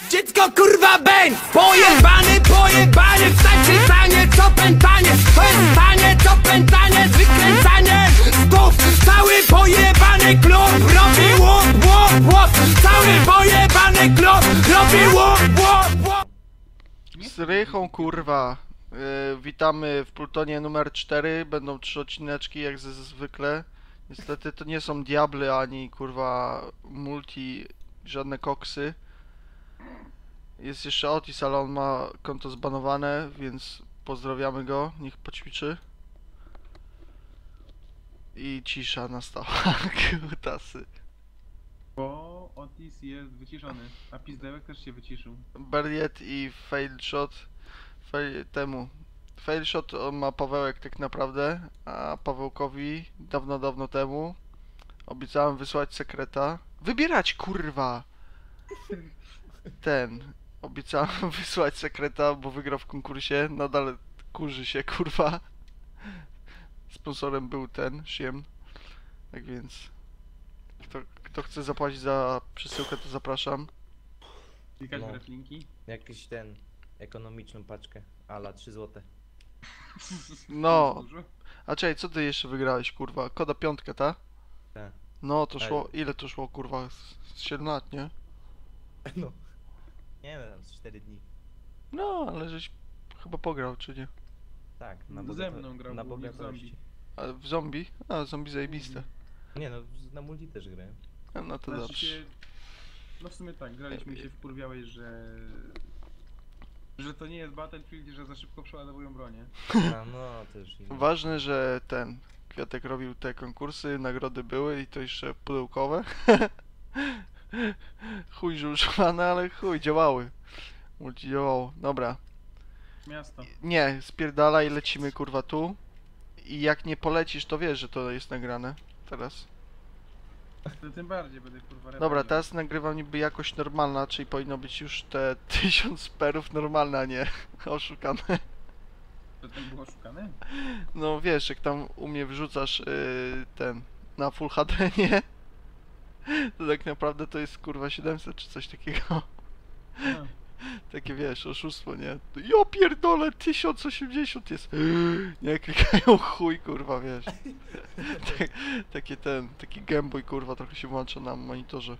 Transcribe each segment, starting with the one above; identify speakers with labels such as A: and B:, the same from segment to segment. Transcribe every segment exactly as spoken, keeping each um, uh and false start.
A: Dziecko kurwa bęk! Pojebany, pojebany, wstań przystanie, co pętanie. To jest stanie, co pętanie, wykręcanie stów. Cały pojebany klub robi łop, łop, łop. Cały pojebany klub robi łop, łop, łop.
B: Z Rychą kurwa. Yy, witamy w Plutonie numer cztery. Będą trzy odcineczki jak ze- zwykle. Niestety to nie są diable ani kurwa multi, żadne koksy. Jest jeszcze Otis, ale on ma konto zbanowane, więc pozdrawiamy go, niech poćwiczy. I cisza nastała, kutasy.
C: Bo Otis jest wyciszony, a Pizdełek też się wyciszył.
B: Berliet i Failshot fail, temu. Failshot on ma Pawełek tak naprawdę, a Pawełkowi dawno, dawno temu obiecałem wysłać sekreta. Wybierać kurwa! Ten. Obiecałem wysłać sekreta, bo wygrał w konkursie. Nadal kurzy się kurwa. Sponsorem był ten, Siem. Tak więc kto, kto chce zapłacić za przesyłkę, to zapraszam.
C: Klikać
D: No.
C: w reflinki?
D: Jakiś ten, ekonomiczną paczkę, ala trzy złote.
B: No,
C: Dużo?
B: a czekaj, co ty jeszcze wygrałeś kurwa? Koda piątkę, ta?
D: Tak.
B: No to
D: Tak.
B: szło, ile to szło kurwa? Z z siedem lat, nie?
D: No. Nie wiem, z cztery dni.
B: No, ale żeś chyba pograł, czy nie?
D: Tak, na,
C: Ze
D: bogato
C: mną grał
D: na
C: głównie w
D: bogatości.
B: A w zombie? A, zombie zajebiste.
D: Nie no, z- na multi też grałem.
B: A, no to
C: Znaczy
B: dobrze.
C: się... No w sumie tak, graliśmy i się wkurwiałeś, że... Że to nie jest Battlefield i że za szybko przeładowują bronię.
D: A no, to już inne.
B: Ważne, że ten Kwiatek robił te konkursy, nagrody były i to jeszcze pudełkowe. Chuj, że używane, ale chuj, działały. Multi działało. Dobra.
C: Miasto.
B: Nie, spierdalaj, lecimy kurwa tu. I jak nie polecisz, to wiesz, że to jest nagrane. Teraz.
C: To tym bardziej będę kurwa
B: Dobra,
C: rewanżował.
B: teraz nagrywam niby jakość normalna, czyli powinno być już te tysiąc perów normalne, a nie oszukane.
C: To ten był oszukany?
B: No wiesz, jak tam u mnie wrzucasz yy, ten na Full H D, nie? To tak naprawdę to jest kurwa siedemset czy coś takiego.
C: No.
B: Takie wiesz, oszustwo, nie? Ja pierdolę, tysiąc osiemdziesiąt jest. Nie klikają chuj, kurwa, wiesz. Tak, takie ten, taki Gameboy, kurwa, trochę się włącza na monitorze.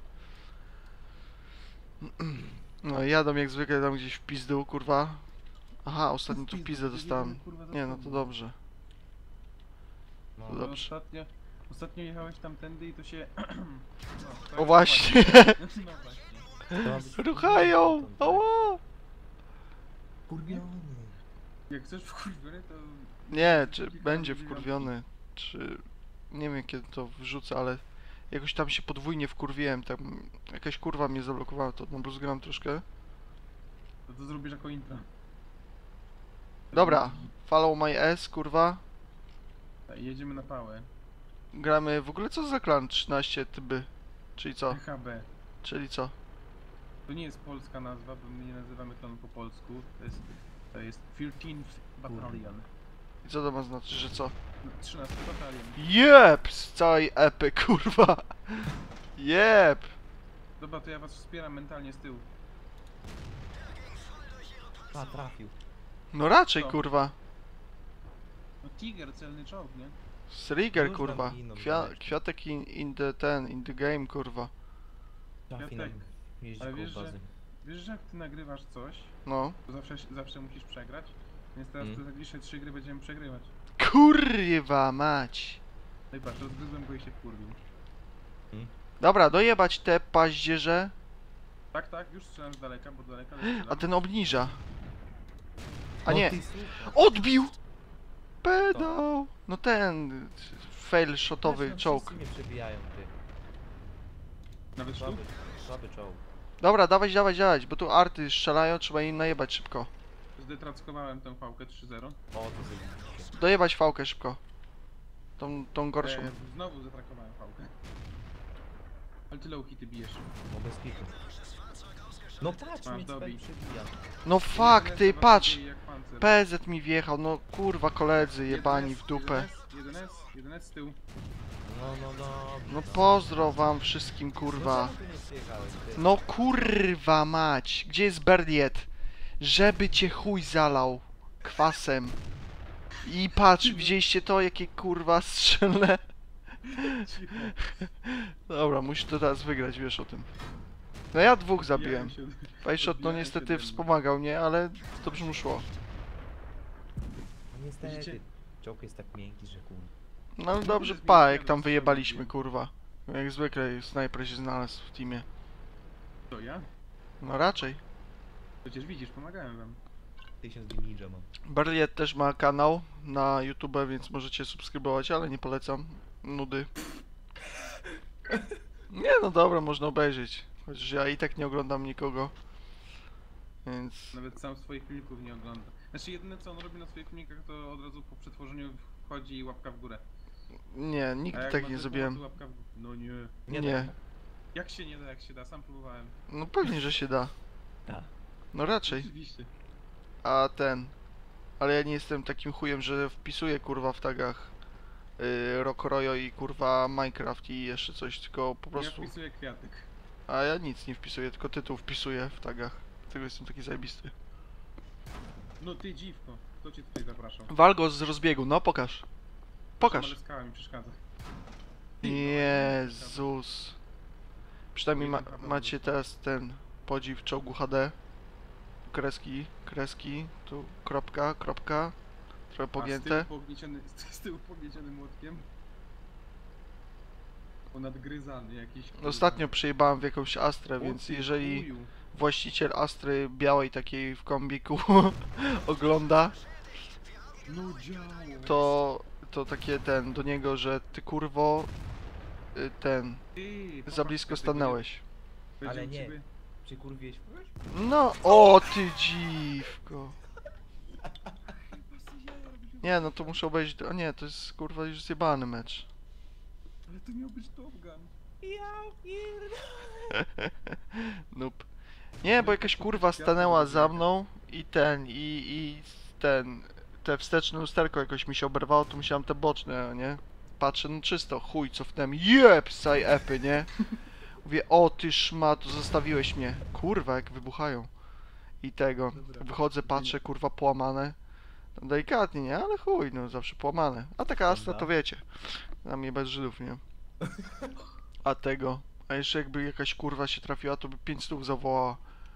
B: No jadą jak zwykle tam gdzieś w pizdu, kurwa. Aha, ostatnio tu pizdę dostałem. Nie, no to dobrze.
D: No,
B: to
C: No,
B: dobrze.
C: ostatnio, ostatnio jechałeś tamtędy i to się... no, to
B: O
C: jest
B: właśnie.
C: No właśnie.
D: to ma być
B: Ruchają!
D: tak.
B: Ała!
D: Kurwiony.
C: Jak chcesz wkurwiony, to...
B: Nie, czy będzie wkurwiony, czy... Nie wiem kiedy to wrzucę, ale... Jakoś tam się podwójnie wkurwiłem, tam... Jakaś kurwa mnie zablokowała, to no gram troszkę.
C: To, to zrobisz jako intro.
B: Dobra, follow my S, kurwa.
C: Tak, jedziemy na pałę.
B: Gramy... W ogóle co za klan trzynaście tyby? Czyli co?
C: H B.
B: Czyli co?
C: To nie jest polska nazwa, bo my nie nazywamy klanu po polsku. To jest... To jest thirteenth Battalion.
B: I co to ma znaczyć, że co?
C: No, trzynasty Batalion.
B: Jep! Z całej epy, kurwa! Jep!
C: Dobra, to ja was wspieram mentalnie z tyłu.
D: A, trafił.
B: No raczej,
C: Co?
B: kurwa.
C: No Tiger, celny czołg, nie?
B: Striger,
D: Już tam
B: kurwa.
D: giną,
B: Kwia
D: zobacz.
B: kwiatek in, in the ten, in the game, kurwa.
D: Trafi
C: tak.
D: nam jeździ
C: Ale
D: koło
C: wiesz, że-
D: bazy.
C: Wiesz, że jak ty nagrywasz coś,
B: No.
C: to zawsze, zawsze musisz przegrać? Więc teraz
D: Mm.
C: te najbliższe trzy gry będziemy przegrywać.
B: Kurwa mać!
C: No i patrz, rozgryzłem go i się wkurwił.
B: Dobra, dojebać te paździerze,
C: Tak, tak, już strzelam z daleka, bo z daleka ale
B: a ten obniża. A
D: No
B: nie,
D: ty słuchaj.
B: odbił! Pedał! No ten... Fail shotowy
D: Zresztą
B: czołg.
D: wszyscy mnie przebijają, ty.
C: Nawet sztuk?
D: Słaby, słaby czołg.
B: Dobra, dawać, dawać, dawać, bo tu arty strzelają, trzeba im najebać szybko.
C: Zdetrackowałem tę fałkę trzy zero.
D: O, to zajebiście.
B: Dojebać fałkę szybko. Tą, tą gorszą.
C: E, znowu zatrakowałem fałkę. Ale ty low hity bijesz.
D: No bez kitu. No patrz,
C: Masz,
D: mnie
C: dobij.
D: cpel przebija.
B: No fuck, ty,
C: jeden S
B: patrz!
C: jak pancer.
B: P Z mi wjechał, no kurwa koledzy jebani w dupę.
C: jeden S, jeden S z tyłu.
D: No, no, no.
B: No pozdro wam wszystkim, kurwa.
D: No, czemu ty nie przyjechałeś, ty?
B: No kurwa mać, gdzie jest Berliet? Żeby cię chuj zalał kwasem. I patrz, widzieliście to, jakie kurwa strzelne?
C: Cicho.
B: Dobra, musisz to teraz wygrać, wiesz o tym. No ja dwóch zabiłem.
C: Odbijałem się-
B: Fajshot no
C: odbijałem się
B: niestety
C: ode mnie.
B: wspomagał mnie, ale dobrze mu szło.
D: No niestety,
C: Widzicie?
D: czołg jest tak miękki, że kur...
B: No ale dobrze,
C: Kurde,
B: pa,
C: zmieniłem
B: jak tam
C: rozstrzał
B: wyjebaliśmy,
C: drugi.
B: kurwa. Jak zwykle snajper się znalazł w teamie.
C: To ja?
B: No raczej.
C: Przecież widzisz, pomagałem wam.
D: Tysiąc ninja mam.
B: Berliet też ma kanał na YouTube, więc możecie subskrybować, ale nie polecam. Nudy. Nie no dobra, można obejrzeć. Chociaż ja i tak nie oglądam nikogo. Więc...
C: Nawet sam swoich filmików nie ogląda. Znaczy jedyne co on robi na swoich filmikach to od razu po przetworzeniu wchodzi łapka w górę.
B: Nie,
C: A
B: nigdy
C: jak
B: tak
C: ma
B: nie
C: coś
B: zrobiłem.
C: pomocy, łapka w górę. No nie.
D: Nie,
B: Nie.
D: tak.
C: Jak się nie da, jak się da, sam próbowałem.
B: No pewnie, że się da.
D: Tak.
B: No raczej.
C: Oczywiście.
B: A ten... Ale ja nie jestem takim chujem, że wpisuję kurwa w tagach yy, Rock Royo i kurwa Minecraft i jeszcze coś, tylko po prostu...
C: Ja wpisuję kwiatek.
B: A ja nic nie wpisuję, tylko tytuł wpisuję w tagach. Dlatego jestem taki zajebisty.
C: No ty dziwko, kto cię tutaj zapraszał?
B: Wal go z rozbiegu, no pokaż. Pokaż.
C: Ale skała mi przeszkadza.
B: Jezus. Przynajmniej ma,
C: Oj, tam
B: macie teraz ten podziw czołgu H D. Kreski, kreski, tu kropka, kropka. Trochę
C: A z
B: pogięte.
C: tyłu pognieciony, z tyłu pognieciony młotkiem. Ponadgryzany jakiś. kurwa.
B: Ostatnio przyjebałem w jakąś Astrę,
C: O
B: więc
C: ty
B: jeżeli
C: chuju.
B: właściciel Astry białej takiej w kombiku ogląda,
C: No działo.
B: to, to takie ten do niego, że ty kurwo y, ten
C: Ty,
B: za
C: popatrz,
B: blisko
C: będzie-
B: stanęłeś.
C: będzie
D: Ale
C: u
D: nie.
C: ciebie-
D: Przykurwiłeś kogoś?
B: No, o ty dziwko. Nie, no to muszę obejrzeć. A nie, to jest kurwa już zjebany mecz.
C: Ale to miał być Top Gun.
D: Ja pierdolę.
B: Nope. Nie, bo jakaś kurwa stanęła za mną i ten, i, i ten, te wsteczne lusterko jakoś mi się oberwało, to musiałem te boczne, nie? Patrzę, no czysto, chuj, cofnąłem, jeb, saj epy, nie? Mówię, o ty szmato, zostawiłeś mnie. Kurwa, jak wybuchają. I tego,
C: Dobra.
B: wychodzę, patrzę, kurwa, połamane. No, delikatnie, nie? Ale chuj, no zawsze połamane. A taka Astra to
D: Prawda?
B: wiecie. Na mnie bez Żydów, nie? A tego, a jeszcze jakby jakaś kurwa się trafiła, to by pięć stów zawołała.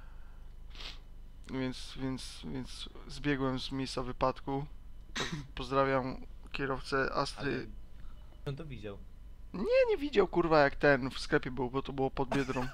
B: Więc, więc, więc zbiegłem z miejsca wypadku. Po- Pozdrawiam kierowcę Astry.
D: Ale... On to widział.
B: Nie, nie widział kurwa jak ten w sklepie był, bo to było pod Biedrą.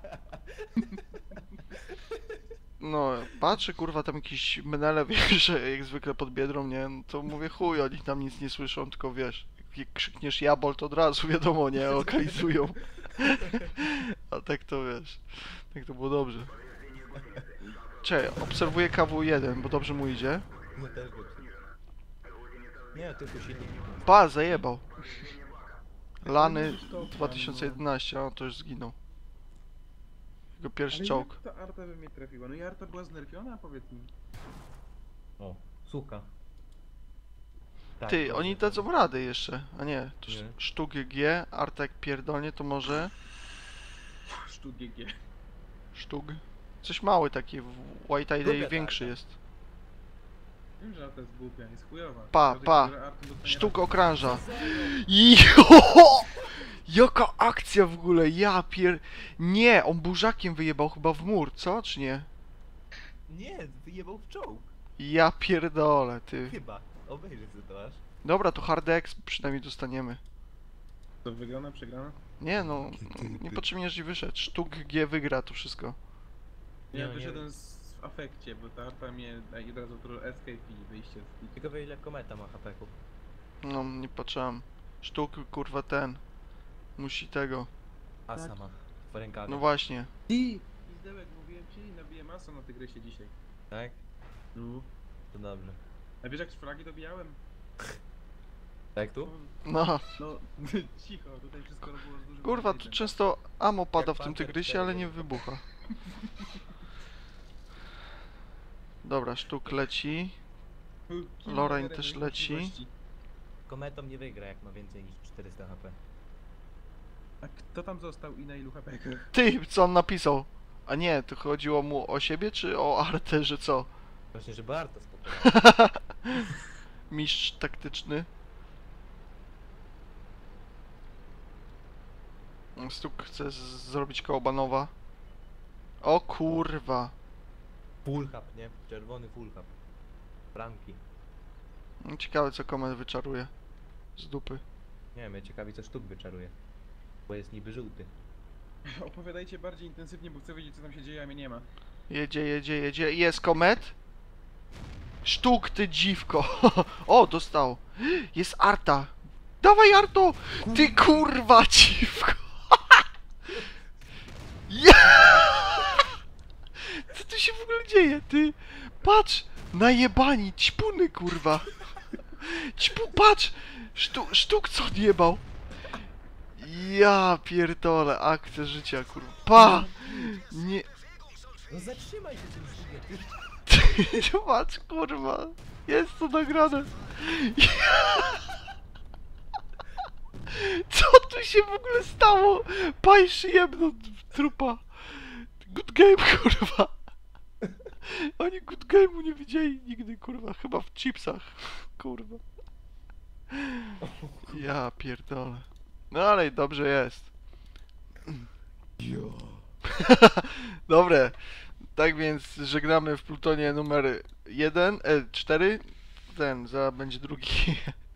B: No, patrzę kurwa tam jakiś menele, wiesz, jak zwykle pod Biedrą, nie? No to mówię chuj, oni tam nic nie słyszą, tylko wiesz, jak krzykniesz jabol, to od razu wiadomo, nie? Lokalizują. A tak to wiesz, tak to było dobrze. Czekaj, obserwuję K W jeden, bo dobrze mu idzie.
D: No też go przy- Nie, tylko silnik.
B: Pa, zajebał. Lany dwa tysiące jedenaście, a to już zginął. Jego pierwszy
C: Ale
B: czołg.
C: jak ta Arta by mnie trafiła? No i Arta była znerfiona, powiedz mi.
D: O, suka. Tak,
B: Ty,
D: dobrze,
B: oni
D: dobrze.
B: dadzą radę jeszcze. A nie, to
D: Nie.
B: sztuk G, Artek pierdolnie, to może
C: Sztuk G G.
B: sztuk. Coś mały taki, w White Eye
D: Głupia
B: większy
D: tarcza.
B: jest.
C: Wiem, że Arta jest głupia, jest chujowa.
B: Pa,
C: Każdy,
B: pa.
C: który Artą dostanie
B: Sztuk
C: raz-
B: okrąża. Jo! Jaka akcja w ogóle, ja pier... Nie, on burzakiem wyjebał chyba w mur, co? Czy nie?
D: Nie, wyjebał w czołg.
B: Ja pierdolę, ty.
D: Chyba. Obejrzyj sobie to aż.
B: Dobra, to hard X przynajmniej dostaniemy.
C: To wygrana, przegrana?
B: Nie no, niepotrzebnie, że wyszedł. Sztuk G wygra to wszystko.
C: Nie,
D: Nie,
C: ja
D: nie.
C: wyszedłem z w afekcie, bo ta Arta mnie daje od razu to escape i wyjście z...
D: Ciekawe ile kometa ma H P-ków.
B: No, nie patrzyłem. Sztuk, kurwa, ten. Musi tego.
D: A
C: Tak.
D: sama. W rękawie.
B: No właśnie.
C: I Izdełek, mówiłem ci, nabiję masę na tygrysie dzisiaj.
D: Tak?
C: No.
D: To dobrze.
C: A wiesz jak z flagi dobijałem?
D: Tak tu?
B: No,
C: No, cicho, tutaj wszystko było z dużym
B: kurwa, tu
C: napięciem.
B: często ammo pada w tym
D: Panther
B: tygrysie, ale
D: cztery.
B: nie wybucha. Dobra, sztuk leci.
C: Kilo
B: Lorraine
C: zero
B: też
C: możliwości.
B: leci.
D: Kometą nie wygra jak ma więcej niż czterysta H P.
C: A kto tam został i na ilu hapekach?
B: Ty, co on napisał? A nie, to chodziło mu o siebie czy o Artę, że co?
D: Właśnie, że Barta spokojnie.
B: Mistrz taktyczny. Stuk chce z- zrobić koło Banowa. O kurwa.
D: Full hub, nie? Czerwony full hub. Bramki.
B: Ciekawe co Komet wyczaruje. Z dupy.
D: Nie wiem, mnie ciekawi co sztuk wyczaruje. Bo jest niby żółty.
C: Opowiadajcie bardziej intensywnie, bo chcę wiedzieć co tam się dzieje, a mnie nie ma.
B: Jedzie, jedzie, jedzie. Jest Komet. Sztuk, ty dziwko. O, dostał. Jest Arta. Dawaj, Arto. Ty kurwa dziwko. Ja! Co tu się w ogóle dzieje, ty? Patrz. Najebani. Ćpuny, kurwa. Ćpu, patrz. Sztu, sztuk co odjebał. Ja pierdolę. Akcja życia, kurwa. Pa. Nie.
D: No zatrzymaj się tym sztukiem.
B: Patrz, kurwa. Jest to nagrane. Co tu się w ogóle stało? Pajsz jebno trupa. Good game, kurwa. Oni good game'u nie widzieli nigdy, kurwa. Chyba w chipsach. Kurwa. Ja pierdolę. No ale i dobrze jest. Dobre. Tak więc żegnamy w Plutonie numer jeden, e, cztery. Ten, za będzie drugi.